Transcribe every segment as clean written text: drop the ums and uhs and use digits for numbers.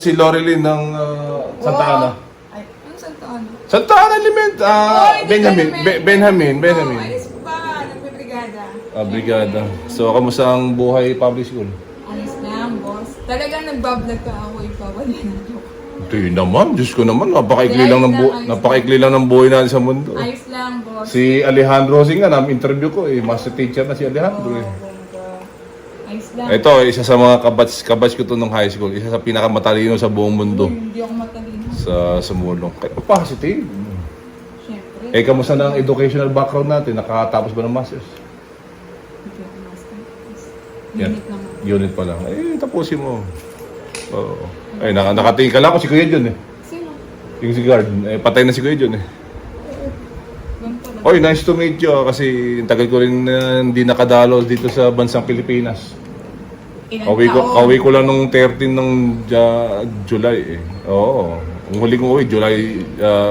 Si Loreline ng Santa Ana. Ay, ano Santa Ana? Santa Ana Element. Benjamin. Ayos pa, nagbibrigada. Brigada. So, kamusta ang buhay public school? Ayos lang, boss. Talagang nagbablog ka ako, ipawala na ako. Hindi naman. Diyos ko naman. Napakaikli Ayos lang ng lang, ayos napakaikli lang ng buhay natin sa mundo. Ayos lang, boss. Si Alejandro Singh nga, interview ko master teacher na si Alejandro Bongga. Ayos lang. Ito, isa sa mga kabatch ko to ng high school. Isa sa pinakamatalino sa buong mundo. Hindi ako matalino. Sa sumulong. Kaya positive. Siyempre. Kamusta na ang educational background natin? Nakatapos ba ng masters? Hindi ako master. Yan. Unit naman. Unit pa lang. Tapusin mo. Oo. Nakatingin ka lang ako si Kuya John Sino? Yung si guard. Patay na si Kuya John Ganito lang. Oy, nice to meet you kasi tagal ko rin hindi nakadalo dito sa bansang Pilipinas. Ilang Kawi ko lang nung 13 ng July Oo. Ang huli kong uwi, July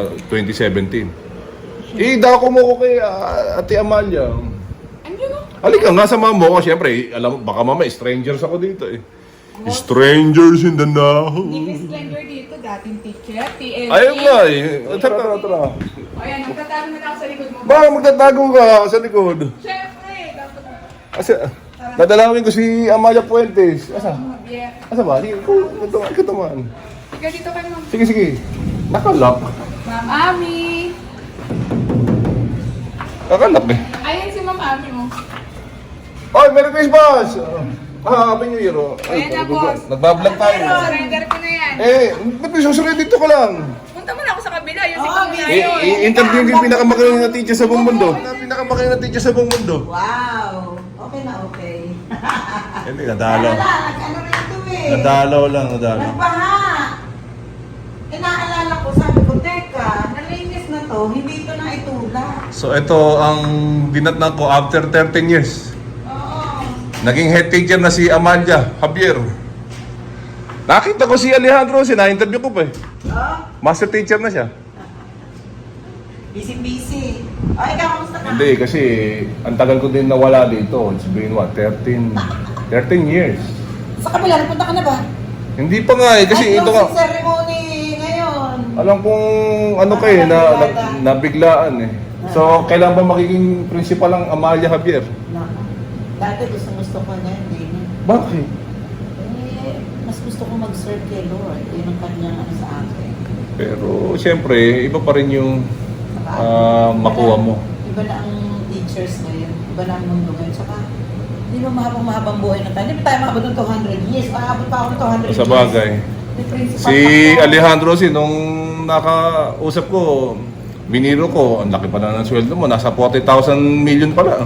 2017. Dako mo ko kay Ate Amalia. Andiyan o. Halika nga, sama mo ko. Siyempre, alam mo, baka mamaya strangers ako dito Strangers in the now. Hindi stranger dito, dating teacher, TLE. Ayun nga Tara. O yan, magtatago na lang ako sa likod mo. Baka magtatago ka sa likod. Siyempre, dapat mo. Kasi, dadalawin ko si Amalia Puentes. Asa? Yeah. Asa ba? Sige, ikaw naman. Ikaw dito kayo, ma'am. Sige. Nakalock. Ma'am Ami. Nakalock Ayan si Ma'am Ami mo. Oy, Merry Christmas! Happy New Year. Ayan na, boss. Nagbablog tayo. Surrender ko na yan. Ba't may susunod dito ka lang? Punta mo na ako sa kabila. Yung ko na yun. I-interview yung pinakamagaling na teacher sa buong mundo. Pinakamagaling na teacher sa buong mundo. Wow! Okay na okay. Hindi, nadalaw. Wala, nag-ano rin ito Nadalaw lang. Nagbaha! Naalala ko, sabi ko, teka, nalinis na to, hindi ito na itulak. So ito ang dinatnan ko after 13 years. Oo. Naging head teacher na si Amalia Javier. Nakita ko si Alejandro, na-interview ko pa Oh, Master teacher na siya. busy. O, ikaw, kamusta ka? Hindi, kasi ang tagal ko din nawala dito. It's been 13 years. Sa kabila, napunta ka na ba? Hindi pa nga kasi Ay, ito closing nga. ceremony ngayon. Alam kong ano kayo, nabiglaan So, kailan ba magiging principal ang Amalia Javier? Naku, dati gusto ko na hindi na. Bakit? Mas gusto ko mag-serve kay Lord. Yun ang kanyang ano sa akin. Pero, siyempre, iba pa rin yung makuha mo. Iba na ang teachers ngayon. Iba na ang mundo ngayon. Saka, di ba mahabang buhay na tayo? Di ba tayo mahabang ng 200 years? Mahabang pa ako ng 200 years. Sa bagay. May principal Si ako. Alejandro nung nakausap ko, biniro ko, ang laki pa na ng sweldo mo, nasa 40,000 million pala.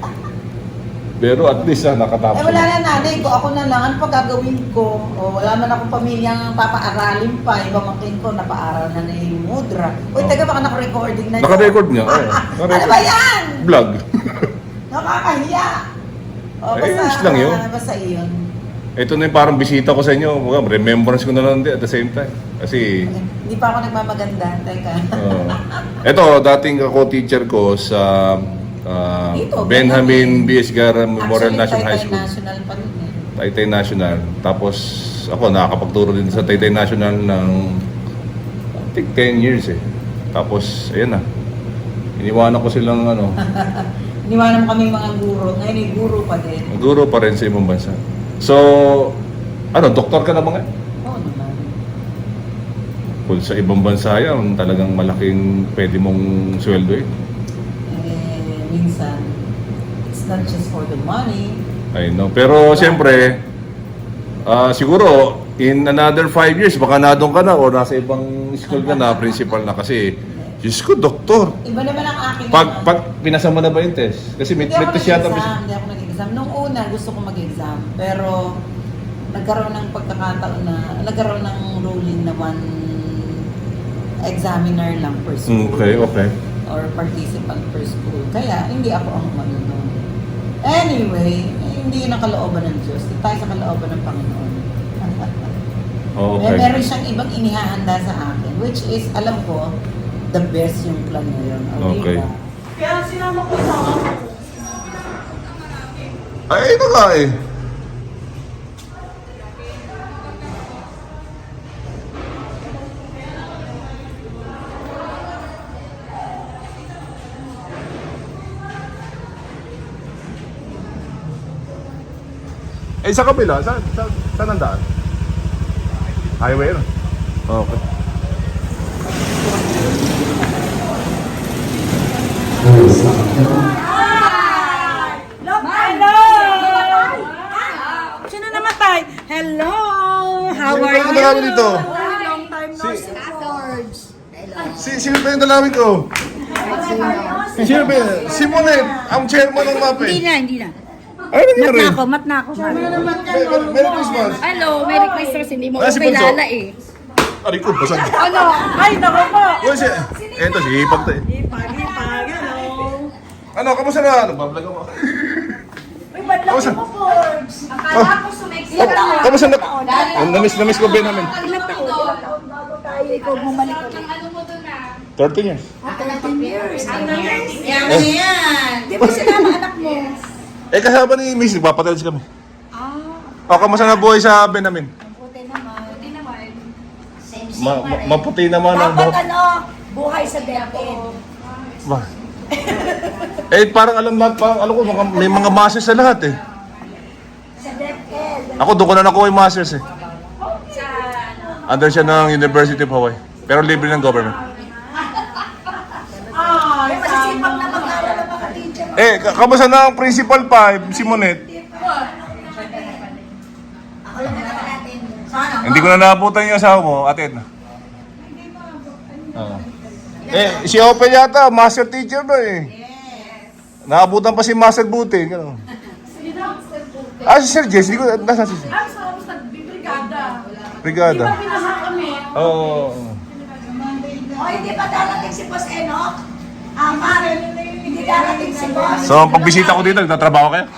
Pero at least nakatapos. Wala na nanay ko. Ako na lang. Ano pa gagawin ko? Wala man akong pamilyang papaaralin pa. Iba makin ko, napaaral na yung mudra. Uy, taga baka naka-recording na yun. Naka-record niya. Ano ba yan? Vlog. Nakakahiya. Ayos lang yun. Basta yun. Ito na yung parang bisita ko sa inyo. Remembrance ko na lang din at the same time. Kasi, Hindi pa ako nagmamaganda. Teka. ito, dating ako teacher ko sa Dito, Benjamin B.S. Gara Memorial Actually, National High Taytay School. National pa rin eh. Taytay National. Tapos, ako nakakapagturo din sa Taytay National ng I think 10 years Tapos, ayan na. Iniwanan ko silang Iniwanan mo kami mga guro. Ngayon ay guro pa din. guro pa rin sa ibang bansa. So, doktor ka na ba nga? Oo naman. Kung sa ibang bansa yan, talagang malaking pwede mong sweldo Minsan, it's not just for the money. I know. Pero siyempre, siguro, in another 5 years, baka nadong ka na o nasa ibang school ka na, principal na kasi, Diyos ko, doktor. Iba naman ang akin. Pag pinasa mo na ba yung test? Kasi may Hindi ako test yata. nag-exam. Hindi ako nag-exam. Nung una, gusto ko mag-exam. Pero, nagkaroon ng pagkakataon na, nagkaroon ng ruling na one examiner lang per school. Okay. Or participant per school. Kaya, hindi ako ang manunod. Anyway, hindi yun ang kalooban ng Diyos. Dito tayo sa kalooban ng Panginoon. Okay. Meron siyang ibang inihahanda sa akin, which is, alam ko, the best yung plan na yun. Okay. Diba? Kaya sinama ko sa ako. Ay, ito nga Eh, sa kabila, saan ang daan? Highway, no? Okay. Hello! Sino namatay? Hello! How are Sino you? ba yung dito? Long time no see, George. Sino ba yung dalawin ko? Sino ba yun? Si Monet, ang chairman ng MAPE. Hindi na. Ano nangyari? Mat na ako. Merry Christmas. Hello, Merry Christmas. Hindi mo Ah, ko si Bunso. kilala eh. Aray ko, basag. Ano? Ay, naku po! Uy, eto, si Hipag to eh. Ipag, hello! Ano, kamusta na? Nagbablog ako. Uy, ba't lang Kamusta? mo, Forbes? Akala ko sumeksi Kamusta na? Namiss ko Ben namin. Ilang taon? Bago tayo, ikaw bumalik ulit. Ano mo doon na? 13 years. 13 years. Yan na yan. Di ba sinama anak mo? Eh, kasama ni Miss, nagpapatilis kami. O, kamusta na buhay sa Ben namin? Buti naman. Maputi naman ang Dapat buhok. ano, buhay sa DepEd. Ba? Eh, parang alam ko, may mga masters sa lahat eh. Sa DepEd. Ako, doon ko na nakuha yung masters eh. Under siya ng University of Hawaii. Pero libre ng government. Ay, masisipag na mag-aaral ng mga teacher. Eh, kamusta na ang Principal 5, si Monet? Hindi ko na naabutan yung asawa mo, Ate Edna. Oo. Eh, si Open yata, master teacher ba eh. Naabutan pa si Master Buti. Gano'n. Ah, si Sir Jess, hindi ko, nasa si Sir? Brigada. Oo. O, hindi pa darating si Boss Enoch? Mare, hindi darating si Boss. So, pagbisita ko dito, nagtatrabaho kayo?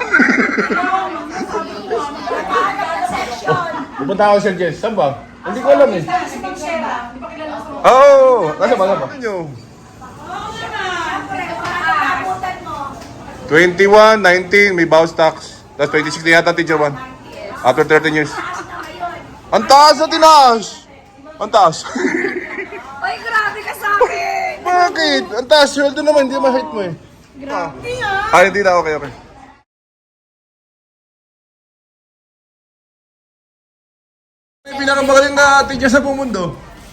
Naghahanap ng section. Pupunta ako Sir Jess, saan ba? Hindi ko alam eh. Si Ma'am Sheba. Oo, nasa ba, nasa ba? Siyempre, makakabutan mo. 21, 19, may bounce tax. Tapos 26 na yata, teacher 1. After 13 years. Taas na ngayon. Ang taas na tinaas! Ang taas. Ay, grabe ka sa akin. Bakit? Ang taas, sweldo naman, hindi ma-hit mo eh. Grabe Hindi na, okay. May pinakamagaling na teacher sa buong mundo.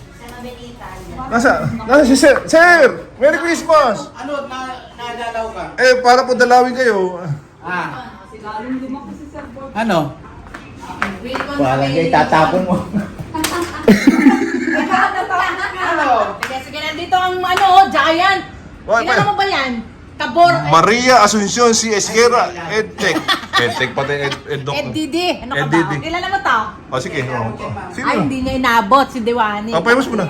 Nasa si Sir. Sir! Merry Christmas! Ano, nadalaw ka? Eh, para po dalawin kayo. Ah. Ano? Wala kayo, tatapon mo. Ano? Sige, nandito ang giant. Why, Kilala mo ba yan? Tabor. Maria Asuncion C. Esquera, EdTech. EdTech pati, EdDoc. Didi. Ano ka ba? Didi. Kilala mo to? O, sige. Sino? Ay, hindi niya inabot si Diwani. Paymas mo na.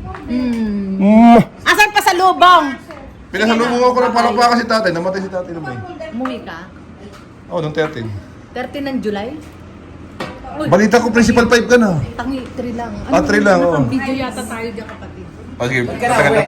Asan pa sa lubong? Pinasalubong ako ng palakpakan si tatay. Namatay si tatay naman. Umuwi ka? Oo, nung 13. 13 ng July? Balita ko, Principal 5 ka na. Tangi, 3 lang. Ah, 3 lang, oo. Video yata tayo dyan kapatid. O, sige.